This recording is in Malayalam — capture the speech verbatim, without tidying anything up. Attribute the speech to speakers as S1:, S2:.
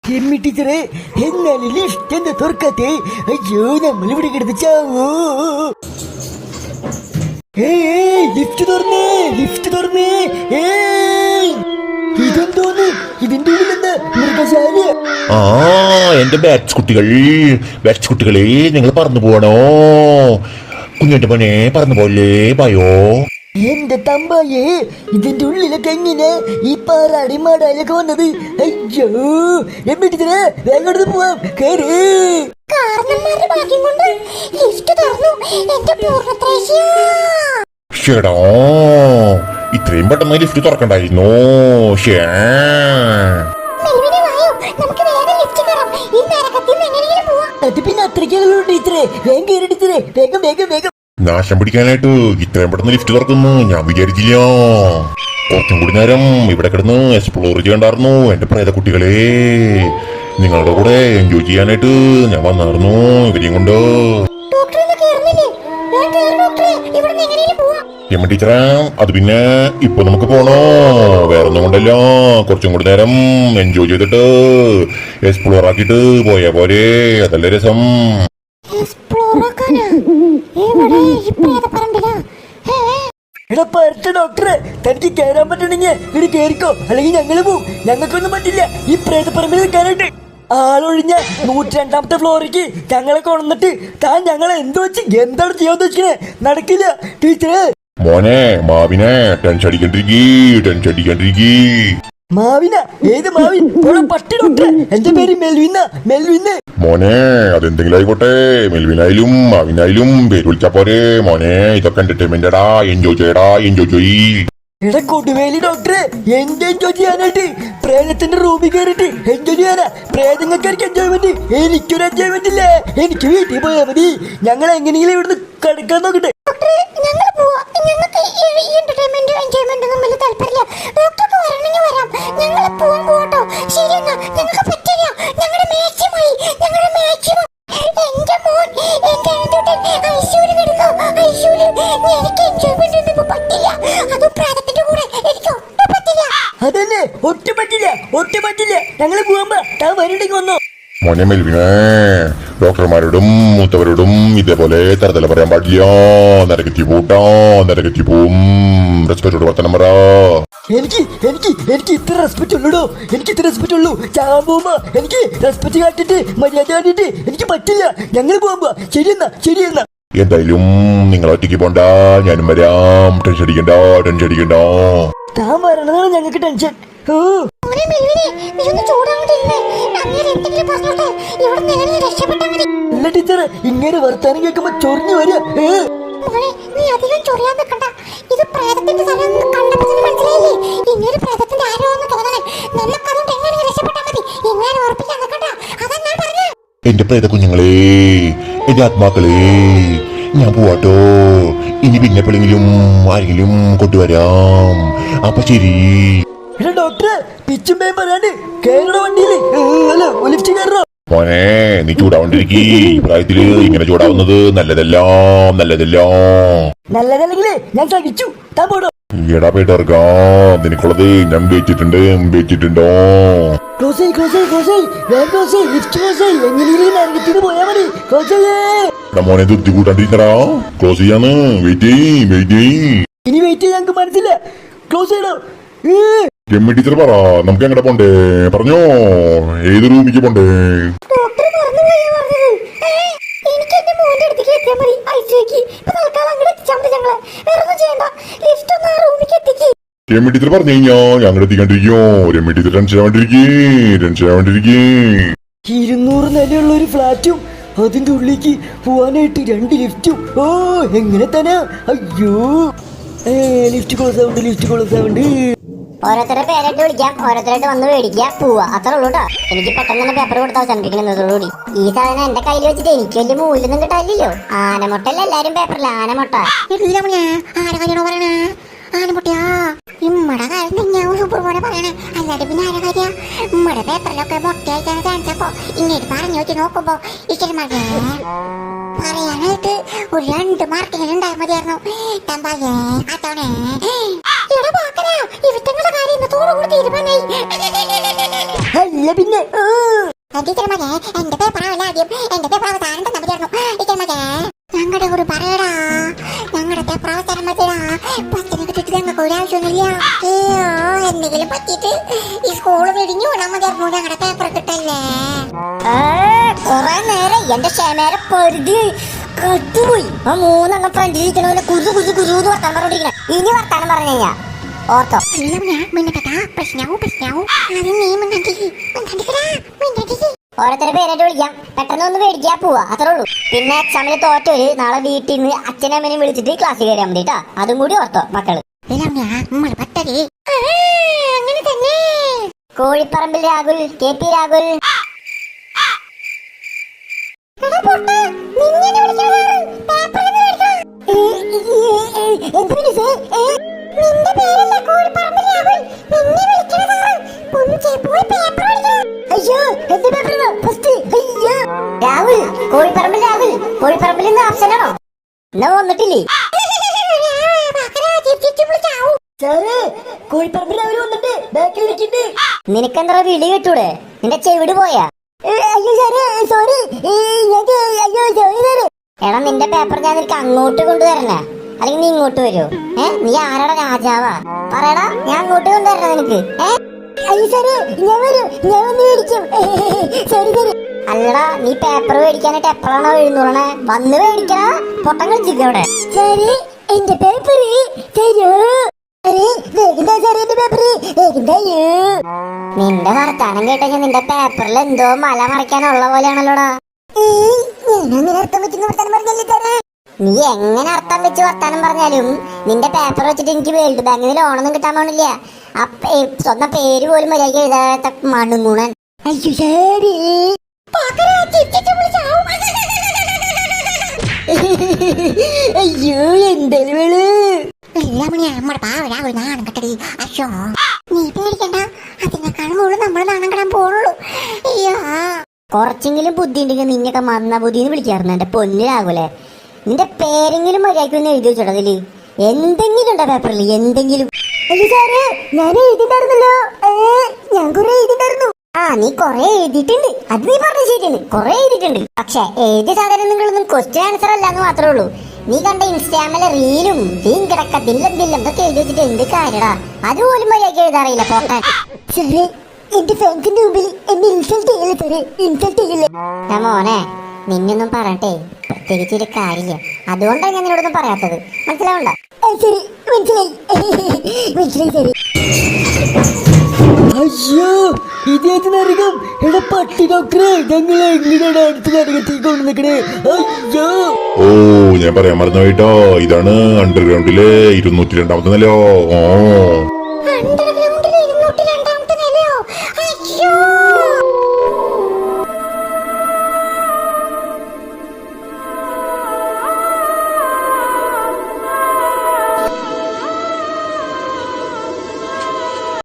S1: എമ്മി ടീച്ചറെ, എന്നാലും ലിഫ്റ്റ് എന്താ തുറക്കാത്തെ? അയ്യോ, നമ്മൾ ഇവിടെ കിടന്ന് ചാവോ? ഏയ്, ലിഫ്റ്റ് തുറന്നേ, ലിഫ്റ്റ് തുറന്നേ. ഏയ്, ഇതെന്തോന്ന്? ഇതിന്റെ ഉള്ളിൽ എന്താ മൃഗശാല?
S2: ആ, എന്റെ ബാറ്റ്സ് കുട്ടികൾ, ബാറ്റ്സ് കുട്ടികളെ, നിങ്ങൾ പറന്നു പോകണോ? കുഞ്ഞിന്റെ മോനെ പറന്നു പോലെ ഭയോ.
S1: എന്റെ തമ്പായേ, ഇതിന്റെ ഉള്ളിലൊക്കെ എങ്ങനെ ഈ പാറാടി മാടാലൊക്കെ വന്നത്? അയ്യോ, എമ്മി ടീച്ചറെ, വേഗം പോവാം. കേറി.
S2: ഷേടാ, ഇത്രയും പെട്ടെന്ന് ലിഫ്റ്റ് തുറക്കണ്ടായിരുന്നു. ഷേ,
S1: അത് പിന്നെ അത്രയ്ക്കുള്ളൂ ടീച്ചറെ. വേഗം കയറി ടീച്ചറെ, വേഗം വേഗം വേഗം.
S2: നാശം പിടിക്കാനായിട്ട് ഇത്രയും പെട്ടെന്ന് ലിഫ്റ്റ് തുറക്കുന്നു ഞാൻ വിചാരിച്ചില്ല. കുറച്ചും കൂടി നേരം ഇവിടെ കിടന്ന് എക്സ്പ്ലോർ ചെയ്യണ്ടായിരുന്നു എന്റെ പ്രേത കുട്ടികളെ. നിങ്ങളുടെ കൂടെ എൻജോയ് ചെയ്യാനായിട്ട് ഞാൻ വന്നായിരുന്നു ഇവരെയും കൊണ്ട്. എമ്മ ടീച്ചറെ, അത് പിന്നെ ഇപ്പൊ നമുക്ക് പോണോ? വേറെ ഒന്നും കൊണ്ടല്ല, കുറച്ചും കൂടി നേരം എൻജോയ് ചെയ്തിട്ട് എക്സ്പ്ലോർ ആക്കിയിട്ട് പോയാ പോരെ, അതല്ലേ രസം.
S1: എടാ പരട്ട ഡോക്ടറെ, തനിക്ക് കയറാൻ പറ്റണെങ്കിൽ ഇവിടെ കേറിക്കോ, അല്ലെങ്കിൽ ഞങ്ങള് പോവും. ഞങ്ങൾക്കൊന്നും പറ്റില്ല ഈ പ്രേതപ്പറമ്പിൽ നിൽക്കാനായിട്ട്. ആളൊഴിഞ്ഞ നൂറ്റി രണ്ടാമത്തെ ഫ്ലോറിക്ക് ഞങ്ങളെ കൊണ്ടിട്ട് താൻ ഞങ്ങളെ എന്തോ വെച്ച് എന്താണ് ചെയ്യാൻ ഉദ്ദേശിക്കണേ? നടക്കില്ല ടീച്ചറെ.
S2: മോനെ മാവിനെ ടെൻഷൻ അടിക്കണ്ടിരിക്കീ, ടെൻഷൻ അടിക്കണ്ടിരിക്കീ.
S1: മാവിന? ഏത് മാവിൻ? പട്ടി ഡോക്ടറെ, എന്റെ പേര് മെൽവിന, മെൽവിന്.
S2: മോനെ, അതെന്തെങ്കിലും ആയിക്കോട്ടെ, മെൽവിനായാലും മാവിനായാലും പേര് വിളിച്ചാ പോരെ മോനെ. ഇതൊക്കെ എന്റർടൈൻമെന്റടാ, എൻജോയ് ചെയ്യടാ, എൻജോയ് ചെയ്യ്.
S1: എടാ കൊടുവേലി ഡോക്ടറെ, എന്ത് എൻജോയ് ചെയ്യാനായിട്ട്? പ്രേതത്തിന്റെ റൂമിൽ കയറിട്ട് എൻജോയ് ചെയ്യാനാ? പ്രേതങ്ങൾക്കാർക്ക് എൻജോയ്മെന്റ്, എനിക്കൊരു എൻജോയ്മെന്റ് ഇല്ലേ? എനിക്ക് വീട്ടിൽ പോയാൽ മതി. ഞങ്ങൾ എങ്ങനെയെങ്കിലും ഇവിടുന്ന് കിടക്കാൻ നോക്കട്ടെ. അതന്നെ, ഒട്ടും പറ്റില്ല, ഒട്ടും പറ്റില്ല. ഞങ്ങള് പോകുമ്പോ താൻ വരണ്ടെങ്കിൽ വന്നോ.
S2: മോനെ മെൽവിനെ, ഡോക്ടർമാരോടും മൂത്തവരോടും ഇതേപോലെ തരതല പറയാൻ പാടില്ല. നരകത്തി പോട്ടാ, നരകത്തി പോവും. റെസ്പെക്റ്റോട് വർത്തനം പറ.
S1: എനിക്ക് എനിക്ക് എനിക്ക് ഇത്ര റെസ്പെക്ട് ഉള്ളൂടോ, എനിക്ക് ഇത്ര റെസ്പെക്ട് ഉള്ളൂ. ചാവാൻ പോകുമ്പോ എനിക്ക് റെസ്പെക്ട് കാട്ടിട്ട് മര്യാദ കാട്ടിട്ട് എനിക്ക് പറ്റില്ല. ഞങ്ങൾ പോകുമ്പോ ശരിയെന്നാ, ശരിയെന്നാ.
S2: എന്തായാലും നിങ്ങൾ ഒറ്റയ്ക്ക് പോണ്ട, ഞാനും വരാം. ടെൻഷൻ അടിക്കണ്ട, ടെൻഷൻ അടിക്കണ്ട.
S1: താൻ വരണതാണ് ഞങ്ങൾക്ക് ടെൻഷൻ. അല്ല ടീച്ചർ, ഇങ്ങനെ വർത്താനം കേൾക്കുമ്പോ ചൊറിഞ്ഞു വരിക.
S3: നീ അധികം ചൊറിയാൻ നിൽക്കണ്ട. ഇത് പ്രേതത്തിന്റെ സ്ഥലം കണ്ടപ്പോ മനസ്സിലായില്ലേ? ഇങ്ങനെ പ്രേതത്തിന്റെ ആരോ എന്ന് തോന്നണേ. നമുക്കതും എങ്ങനെ രക്ഷപ്പെട്ടാൽ മതി. എങ്ങനെ ഉറപ്പിക്കാൻ നിൽക്കണ്ട, അതാ ഞാൻ പറഞ്ഞു.
S2: എന്റെ പ്രേത കുഞ്ഞുങ്ങളെ, എന്റെ ആത്മാക്കളെ, ഞാൻ പോവാട്ടോ. ഇനി പിന്നെ എപ്പോഴെങ്കിലും ആരെങ്കിലും കൊണ്ടുവരാം. അപ്പൊ ശരി.
S1: ഡോക്ടറെ, പിച്ചും പേയും പറയാണ്ട് കേരള വണ്ടിയില് അല്ല ലിഫ്റ്റ് കയറോ?
S2: മോനെ, നീ ചൂടാവണ്ടിരിക്കീ. ഈ പ്രായത്തില് ഇങ്ങനെ ചൂടാവുന്നത് നല്ലതല്ല, നല്ലതല്ല.
S1: നല്ലതല്ലെങ്കിലേ ഞാൻ സഹിച്ചു. താൻ പോടോ.
S2: എടാ പേട്ടർക്കാം, നിനക്കുള്ളത് ഞാൻ വെച്ചിട്ടുണ്ട്, വെച്ചിട്ടുണ്ടോ?
S1: ക്ലോസ് ആയി, ക്ലോസ് ആയി, ക്ലോസ് ആയി. വേഗം ക്ലോസ് ആയി, ലിഫ്റ്റ് ക്ലോസ് ആയി. എങ്ങനെയും നരകത്തിന് പോയാ മതി. ക്ലോസ് ചെയ്യേ.
S2: എടാ മോനെ, തൃപ്തി കൂട്ടാണ്ടിരിക്കടാ. ക്ലോസ് ചെയ്യാന്ന്. വെയിറ്റ് ചെയ്യ്, വെയിറ്റ് ചെയ്യ്.
S1: ഇനി വെയിറ്റ് ചെയ്യാൻ ഞങ്ങൾക്ക് മനസ്സില്ല. ക്ലോസ് ചെയ്യണോ?
S2: എമ്മി ടീച്ചർ പറ, നമുക്ക് എങ്ങടെ പോണ്ടേ? പറഞ്ഞോ, ഏത് റൂമിക്ക് പോണ്ടേ? രമ്യ ടീച്ചർ പറഞ്ഞു കഴിഞ്ഞാ ഞങ്ങൾ എത്തിക്കാണ്ടിരിക്കോ. രമ്യ ടീച്ചർ ടെൻഷൻ ആവാണ്ടിരിക്കേ, ടെൻഷൻ ആവാണ്ടിരിക്കേ.
S1: ഇരുന്നൂറ് നിലയുള്ള ഒരു ഫ്ലാറ്റും അതിന്റെ ഉള്ളിലേക്ക് പോവാനായിട്ട് രണ്ട് ലിഫ്റ്റും. ഓ, എങ്ങനെ തന്നെ? അയ്യോ, ലിഫ്റ്റ് ക്ലോസ് ആവുണ്ട്, ലിഫ്റ്റ് ക്ലോസ് ആവുണ്ട്.
S3: ഓരോരുത്തരുടെ പേരായിട്ട് വിളിക്കാം, ഓരോരുത്തരായിട്ട് വന്ന് മേടിക്കാം, പോവാ. അത്രേ ഉള്ളൂ കേട്ടോ. എനിക്ക് പെട്ടെന്ന് തന്നെ പേപ്പർ കൊടുത്താൽ ചന്ദ്രിക്കുന്നതോടുകൂടി. ഈ സാധനം എന്റെ കയ്യിൽ വെച്ചിട്ട് എനിക്ക് വലിയ മൂല്യൊന്നും കിട്ടാനില്ലല്ലോ. ആനമുട്ടല്ല എല്ലാരും പേപ്പറില്ല, ആനമുട്ട. ആരെ കാര്യമാണോ പറയണേ? ആനമുട്ടയാ. ഇമ്മടെ കാര്യം തന്നെയാവും സൂപ്പർ പോലെ പറയണേ. അല്ലാതെ പിന്നെ ആരെ കാര്യ? ഇമ്മടെ പേപ്പറിലൊക്കെ മുട്ടയായിട്ടാണ് കാണിച്ചപ്പോ ഇങ്ങോട്ട് പറഞ്ഞു വെച്ച് നോക്കുമ്പോ ഇച്ചിരി മഴ പറയാനായിട്ട് ഒരു രണ്ട് മാർക്കിന് ഉണ്ടായാൽ മതിയായിരുന്നു. തമ്പായേ അതോണേ ഇവറ്റങ്ങളുടെ കാര്യം ഇന്നത്തോടുകൂടി തീരുമാനമായി.
S1: അല്ല പിന്നെ
S4: ടീച്ചർ മകേ എന്റെ പേപ്പറാവല്ല ആദ്യം എന്റെ പേപ്പർ അവസാനം തന്നെ ചേർന്നു ടീച്ചർ മകേ ഞങ്ങളുടെ ഒരു പറയടാ ഞങ്ങളുടെ പേപ്പർ അവസാനം മതിടാ പത്തിനെ കിട്ടിട്ട് ഞങ്ങൾക്ക് ഒരാവശ്യമൊന്നുമില്ല അയ്യോ എന്തെങ്കിലും പറ്റിയിട്ട് ഈ സ്കൂള് വെടിഞ്ഞു വിടാൻ മതിയായിരുന്നു ഞങ്ങളുടെ പേപ്പർ കിട്ടല്ലേ
S3: കൊറേ നേരം എന്റെ ക്ഷമേരെ പരിധി കത്തുപോയി. ആ മൂന്നെണ്ണം ഫ്രണ്ടിൽ ഇരിക്കണ കുതു കുതു കുതു വർത്താനം പറഞ്ഞോണ്ടിരിക്കണ. ഇനി വർത്താനം പറഞ്ഞു കഴിഞ്ഞാ ഓർത്തോ ഓരോരുത്തരെ പേരായിട്ട് വിളിക്കാം. പെട്ടെന്ന് ഒന്ന് മേടിക്കാ പോവാ അത്രേ ഉള്ളൂ. പിന്നെ എക്സാമിന് തോറ്റോര് നാളെ വീട്ടിൽ നിന്ന് അച്ഛനും അമ്മേനെയും വിളിച്ചിട്ട് ക്ലാസ്സിൽ കയറിയാൽ മതി കേട്ടാ. അതും കൂടി ഓർത്തോ മക്കള്.
S4: അങ്ങനെ തന്നെ
S3: കോഴിപ്പറമ്പിൽ രാഹുൽ, കെ പി രാഹുൽ.
S4: നിന്റെ പേരല്ല കോഴിപ്പറമ്പിൽ രാഹുൽ നിന്നെ വിളിക്കണതാണ് പൊഞ്ചേ പോയി പേപ്പർ പഠിക്കണം
S3: അയ്യോ എന്റെ പേപ്പറാ ഫസ്റ്റ്. അയ്യോ രാഹുൽ, കോഴിപ്പറമ്പിൽ രാഹുൽ, കോഴിപ്പറമ്പിൽ നിന്ന് ആപ്ഷൻ ആണോ? എന്നാ വന്നിട്ടില്ലേ?
S1: സാറേ കോഴിപ്പറമ്പിൽ അവര് വന്നിട്ട് ബാക്കിൽ ഇരിക്കണ്ട്.
S3: നിനക്കെന്താ വിളി കേട്ടൂടെ? നിന്റെ ചെവിട് പോയാ?
S1: അയ്യോ സാറേ സോറി. അയ്യോ സോറി സാറേ.
S3: എടാ നിന്റെ പേപ്പർ ഞാൻ നിനക്ക് അങ്ങോട്ട് കൊണ്ടുവരണ അല്ലെങ്കിൽ നീ ഇങ്ങോട്ട് വരുമോ? ഏ നീ ആരാടാ രാജാവാ? പറയടാ ഞാൻ അങ്ങോട്ട് കൊണ്ടുവരണ നിനക്ക്. ഏ
S1: അയ്യോ സാറേ ഞാൻ വരും, ഞാൻ വന്ന് മേടിക്കും. സോറി സാറേ.
S3: അല്ലടാ നീ പേപ്പർ മേടിക്കാനായിട്ട് എപ്പോഴാണോ എഴുന്നൂറണേ? വന്ന് മേടിക്കണ പൊട്ടം കളിച്ചിക്കവിടെ.
S1: സാറേ എന്റെ പേപ്പർ തരൂ. വേഗം സാറേ എന്റെ പേപ്പർ വേഗം തരൂ.
S3: നിന്റെ വർത്താനം കേട്ട ഞാൻ നിന്റെ പേപ്പറിൽ എന്തോ മല മറിക്കാനുള്ള പോലെയാണല്ലോടാ.
S1: ഞാൻ അർത്ഥം വെക്കുന്ന വർത്താനം പറഞ്ഞല്ലേ സാറേ.
S3: നീ എങ്ങനെ അർത്ഥം വെച്ച് വർത്താനം പറഞ്ഞാലും നിന്റെ പേപ്പർ വെച്ചിട്ട് എനിക്ക് വേൾഡ് ബാങ്കിൽ നിന്ന് ലോണൊന്നും കിട്ടാൻ പോണില്ല. ആ സ്വന്തം പേര് പോലും മര്യാദ എഴുതാത്ത മണ്ണുങ്ങൂണൻ.
S1: അയ്യോ സാറേ. അയ്യോ എന്തായാലും വേള്
S4: നമ്മുടെ പാവരാ ഒരു നാണം കെട്ടടി അശോ നീ പേടിക്കണ്ട അതിനേക്കാളും കൂടുതൽ നമ്മൾ നാണം കെടാൻ പോണുള്ളൂ. അയ്യോ
S3: കുറച്ചെങ്കിലും ബുദ്ധി ഉണ്ടെങ്കിൽ നിന്നൊക്കെ മന്ന ബുദ്ധിന്ന് വിളിക്കാറുണ്ട് എന്റെ പൊന്നിലാകൂലെ. നിന്റെ പേരെങ്കിലും മര്യാദയ്ക്ക് ഒന്ന് എഴുതി വെച്ചോട്ടോ അതില്. എന്തെങ്കിലും ഉണ്ടോ പേപ്പറിൽ എന്തെങ്കിലും?
S1: അയ്യോ സാറേ ഞാൻ എഴുതിണ്ടായിരുന്നല്ലോ. ഞാൻ കുറെ എഴുതിണ്ടായിരുന്നു.
S3: ആ നീ കൊറേ എഴുതിയിട്ടുണ്ട്, അത് നീ പറഞ്ഞ ശരിയാണ്, കൊറേ എഴുതിയിട്ടുണ്ട്. പക്ഷെ എഴുതിയ സാധനങ്ങളൊന്നും ക്വസ്റ്റ്യൻ ആൻസർ അല്ലാന്ന് മാത്രമേ ഉള്ളൂ. നീ കണ്ട ഇൻസ്റ്റാമിലെ റീലും തീൻ കിടക്ക ദില്ലം ദില്ലം ഇതൊക്കെ എഴുതി വെച്ചിട്ട് എന്ത് കാര്യടാ? അതുപോലും മര്യാദയ്ക്ക് എഴുതാറിയില്ല പോട്ടെ.
S1: സാറേ എന്റെ ഫ്രണ്ട്സിന്റെ മുമ്പിൽ എന്നെ ഇൻസൾട്ട് ചെയ്യില്ല സാറേ, ഇൻസൾട്ട് ചെയ്യില്ല.
S3: ഞാൻ മോനെ നിന്നൊന്നും പറയട്ടെ പ്രത്യേകിച്ചൊരു കാര്യമില്ല. അതുകൊണ്ടാണ് ഞാൻ നിന്നോടൊന്നും പറയാത്തത്. മനസ്സിലാവണ്ട?
S1: ശരി മനസ്സിലായി മനസ്സിലായി സാറേ. അയ്യോ ഇതേത് നരകം. എടാ പട്ടി ഡോക്ടറെ ഞങ്ങളെ എങ്ങനെയാണ് അടുത്ത നരകത്തേക്ക് കൊണ്ട് നിൽക്കണേ? അയ്യോ
S2: ഓ ഞാൻ പറയാൻ മറന്നു പോയിട്ടോ, ഇതാണ് അണ്ടർഗ്രൗണ്ടിലെ ഇരുന്നൂറ്റി രണ്ടാമത്തെ നിലയോ. ഓ
S4: അണ്ടർഗ്രൗണ്ട്